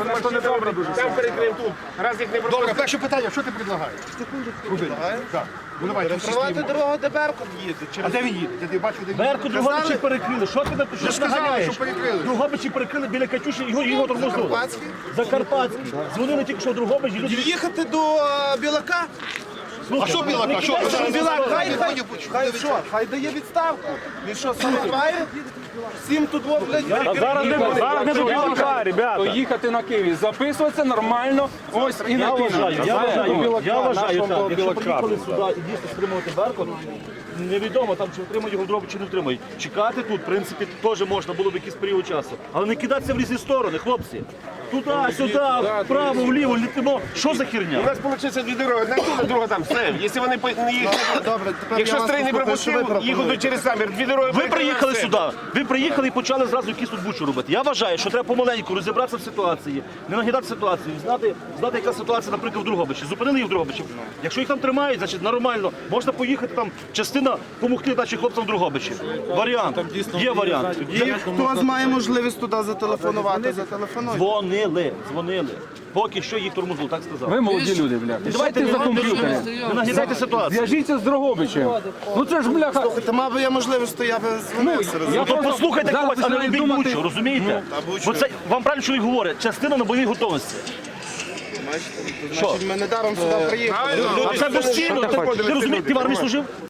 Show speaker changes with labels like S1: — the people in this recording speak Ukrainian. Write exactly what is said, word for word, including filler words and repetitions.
S1: Це не добре дуже. Там перекриємо тут. Раз їх не
S2: Добре,
S1: пропустимо.
S2: перше питання, що ти предлагаєш? Так. Ну давай,
S3: Тривати дорогу, де Беркут їде.
S2: А де він їде? Я не бачу, де він
S4: Берку
S2: їде.
S4: Другобичі перекрили. Що ти
S2: Ви ж сказали, що перекрили.
S4: Другобичі перекрили біля Катюші, його, його тормознули.
S3: Закарпатський?
S4: Закарпатський. Дзвонили тільки що в Другобичі. Люди...
S3: Їхати до е, Білака?
S2: А що Білака? Що?
S3: Що Білак? Хай, хай, хай, що? Хай дає відставку. Він що, самоває? Всім тут, о, блядь,
S4: Зараз не, зараз не до Білака, ребята.
S5: То їхати на Київ, записуватися нормально, ось і на
S4: Я
S5: Київ.
S4: вважаю, я вважаю, я вважаю
S5: нашого
S4: так, якщо
S5: Білака.
S4: приїхали сюди і дійсно стримувати Беркут, невідомо там, чи отримають його в дробі, чи не отримають. Чекати тут, в принципі, теж можна було б якийсь період часу. Але не кидатися в різні сторони, хлопці. Туди, сюди, вправо, вліво, літимо. Що за
S1: У
S4: херня?
S1: нас виходить дві дороги, одна тут, друга там. Все. Якщо вони по- не їх,
S3: Добре, тепер
S1: якщо
S3: я вас
S1: стрій не
S3: послухаю, що ви
S1: пропустив, їх
S3: пропонуєте.
S1: через самір. Дві дороги.
S4: Ви
S1: перекрили,
S4: приїхали
S1: все.
S4: сюди, ви приїхали і почали зразу якісь тут бучу робити. Я вважаю, що треба помаленьку розібратися в ситуації, не нагідати ситуацію, знати, знати, яка ситуація, наприклад, в Другобичі. Зупинили їх в Другобичі. Якщо їх там тримають, значить нормально. Можна поїхати там, частина допомогти нашим хлопцям в Другобичі. Варіант. Є варіант.
S3: Є, хто має можливість туди зателефонувати, зателефонуйте.
S4: Дзвонили, дзвонили. Поки що їх тормознули, так сказав.
S5: Ви молоді люди, бля. Давайте за комп'ютером.
S4: Не нагідайте ситуацію.
S5: Зв'яжіться з Дрогобичем. Ну це ж, бляха.
S3: Та мав би я можливість, то я би дзвонився.
S5: Я
S4: То послухайте
S5: зараз
S4: когось, а не
S5: починаю
S4: робіть
S5: думати-
S4: бучу, розумієте? Бо це вам правильно чоловік говорить, частина на бойовій готовності.
S3: Значить, ми не даром сюди приїхали.
S4: А це безцінно. Ти розумієш, ти в армії служив?